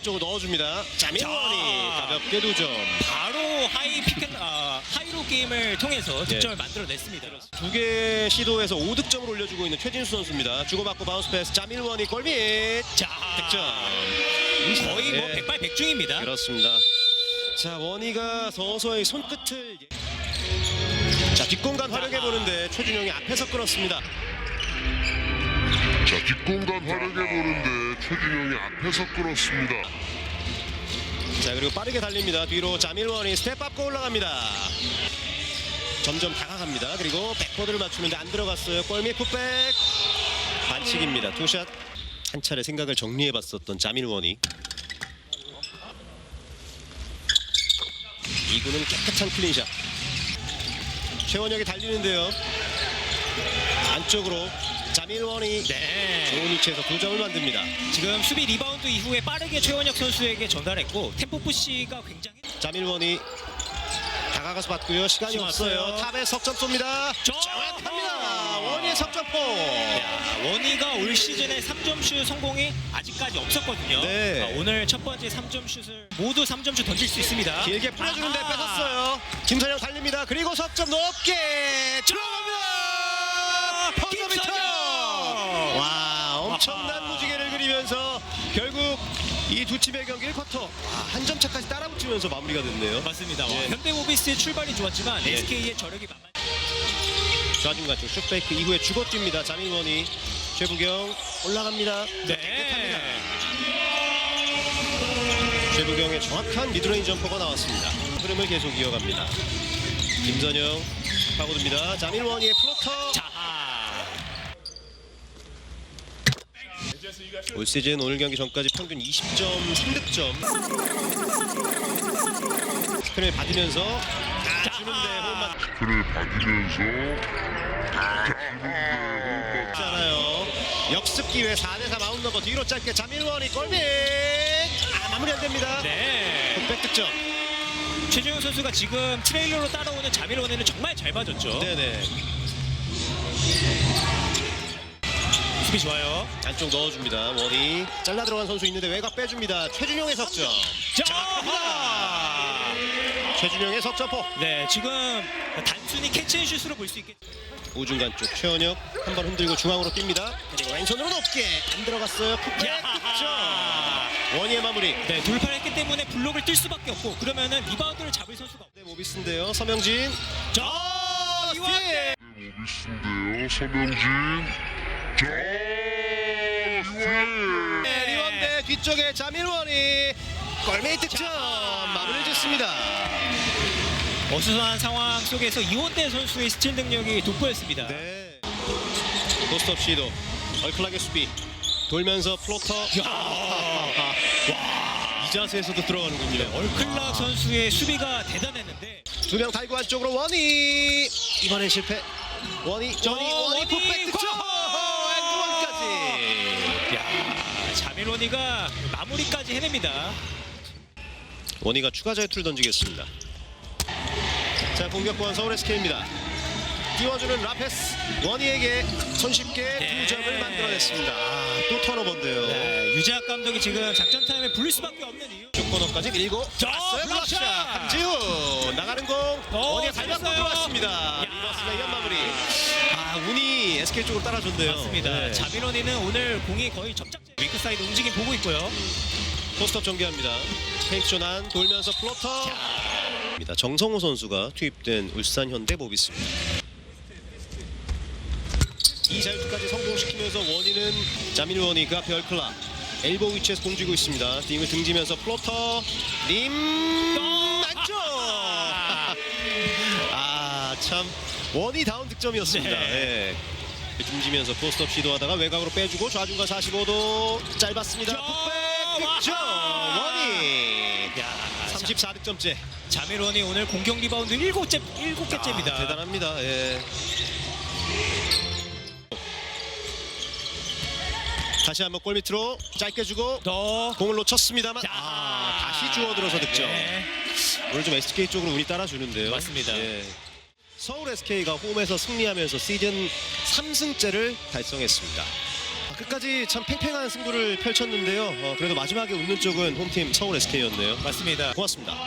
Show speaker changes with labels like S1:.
S1: 쪽으로 넣어줍니다. 자밀원이 가볍게 2점.
S2: 바로 하이로 게임을 통해서 득점을 만들어냈습니다.
S1: 2개 시도에서 5득점을 올려주고 있는 최진수 선수입니다. 주고받고 바운스 패스 자밀원이 골밑
S2: 자,
S1: 득점.
S2: 거의 뭐
S1: 네.
S2: 백발백중입니다.
S1: 그렇습니다. 자, 원희가 서서히 손끝을 자, 뒷공간 활용해 보는데 최준영이 앞에서 끌었습니다.
S3: 자, 뒷공간 활용해 보는데 최준영이 앞에서 끌었습니다.
S1: 자, 그리고 빠르게 달립니다. 뒤로 자밀원이 스텝업고 올라갑니다. 점점 다가갑니다. 그리고 백보드를 맞추는데 안 들어갔어요. 골밑 풋백 반칙입니다. 투샷. 한 차례 생각을 정리해 봤었던 자밀원이 2구는 깨끗한 클린샷. 최원혁이 달리는데요. 안쪽으로 자밀원이
S2: 네.
S1: 좋은 위치에서 2점을 만듭니다.
S2: 지금 수비 리바운드 이후에 빠르게 최원혁 선수에게 전달했고 템포 푸시가 굉장히
S1: 자밀원이 다가가서 받고요. 시간이
S2: 시간
S1: 없어요.
S2: 없어요.
S1: 탑에 석점 쏩니다. 정확합니다. 원희의 석점포.
S2: 야, 원희가 올 시즌에 3점 슛 성공이 아직까지 없었거든요.
S1: 네.
S2: 오늘 첫 번째 3점 슛을 모두 3점 슛 던질 수 있습니다.
S1: 길게 뿌려주는데
S2: 아하.
S1: 뺏었어요. 김선영 달립니다. 그리고 석점 높게 들어갑니다. 퍼저비터.
S2: 김선영.
S1: 와, 엄청난
S2: 아하.
S1: 무지개를 그리면서 결국 이 두 팀의 경기 1쿼터 한 점 차까지 따라붙으면서 마무리가 됐네요.
S2: 맞습니다.
S1: 예.
S2: 현대모비스의 출발이 좋았지만
S1: 예.
S2: SK의 저력이 만만.
S1: 좌중간 쪽 슛페이크 이후에 주고 뜁니다. 자밀원이 최부경 올라갑니다.
S2: 네.
S1: 최부경의 정확한 미드레인지 점퍼가 나왔습니다. 흐름을 계속 이어갑니다. 김선영 파고듭니다. 자밀원이의 플로터.
S2: 자,
S1: 올 시즌 오늘 경기 전까지 평균 20점 3득점. 스크린을 받으면서 주는데 호흡만
S3: 그를 받으면서
S1: 잖아요. 역습 기회 4대4 마운드 넘버 뒤로 짧게 자밀원이 골밑. 마무리 안 됩니다.
S2: 네.
S1: 백 득점.
S2: 최준용 선수가 지금 트레일러로 따라오는 자밀원에는 정말 잘 맞았죠.
S1: 네네.
S2: 수비 좋아요.
S1: 안쪽 넣어줍니다. 원희 잘라 들어간 선수 있는데 외곽 빼줍니다. 최준용의 석점.
S2: 자,
S1: 최준용의 석점포.
S2: 네, 지금 단순히 캐치앤슛으로 볼 수 있겠죠.
S1: 우중간 쪽 최원혁 한 번 흔들고 중앙으로 뜁니다. 그리고 왼손으로 높게 안 들어갔어요. 풋백 득점. 원희의 마무리.
S2: 네, 돌파를 했기 때문에 블록을 뛸 수밖에 없고 그러면은 리바운드를 잡을 선수가 없고.
S1: 네, 모비스인데요. 서명진.
S2: 자,
S1: 스틸.
S3: 모비스인데요. 서명진. 자, 이완.
S1: 네, 리원대 뒤쪽에 자밀원이 골밑 득점 마무리를 짓습니다.
S2: 어수선한 상황 속에서 이원대 선수의 스틸 능력이 돋보였습니다.
S1: 네. 포스트업 시도. 얼클하게 수비. 돌면서 플로터. 이 자세에서도 들어가는군요.
S2: 얼클락 선수의 수비가 대단했는데
S1: 두 명 달고 안쪽으로 원희. 이번엔 실패. 원희 풋백 득점. 엔드원까지.
S2: 야, 자밀원이가 마무리까지 해냅니다.
S1: 원희가 추가 자유투를 던지겠습니다. 자, 공격권 서울 SK입니다. 띄워주는 라페스. 원희에게 손쉽게
S2: 네.
S1: 2점을 만들어냈습니다. 또 턴오버인데요.
S2: 네, 유재학 감독이 지금 작전 타임에 불릴 수밖에 없는 이유.
S1: 코너까지 밀고
S2: 자,
S1: 왔어요.
S2: 블락샷!
S1: 블락샷. 함지훈 나가는 공. 원희가 잘 맞고
S2: 잘했어요.
S1: 들어왔습니다.
S2: 야.
S1: 리버스 레이업 마무리. 운이 SK 쪽으로 따라줬네요.
S2: 맞습니다.
S1: 네.
S2: 자밀원이는 오늘 공이 거의 접착제. 위크 사이드 움직임 보고 있고요.
S1: 포스트업 전개합니다. 페이크 조난 돌면서 플로터. 정성호 선수가 투입된 울산 현대 모비스입니다. 이 자유투까지 성공시키면서 원희는 자밀원이가 별클라 엘보 위치에서 공쥐고 있습니다. 팀을 등지면서 플로터 림 안쪽. 참 원희 다운 득점이었습니다.
S2: 네.
S1: 예. 등지면서 포스트업 시도하다가 외곽으로 빼주고 좌중간 45도 짧았습니다. 풋백 득점 원희.
S2: 야,
S1: 34득점째.
S2: 자밀원이 오늘 공격 리바운드 7개째입니다.
S1: 대단합니다. 예. 다시 한번 골밑으로 짧게 주고
S2: 더
S1: 공을 놓쳤습니다만
S2: 자.
S1: 다시 주워들어서 득점.
S2: 네.
S1: 오늘 좀 SK 쪽으로 운이 따라주는데요.
S2: 맞습니다.
S1: 예. 서울 SK가 홈에서 승리하면서 시즌 3승째를 달성했습니다. 끝까지 참 팽팽한 승부를 펼쳤는데요. 그래도 마지막에 웃는 쪽은 홈팀 서울 SK였네요.
S2: 맞습니다.
S1: 고맙습니다.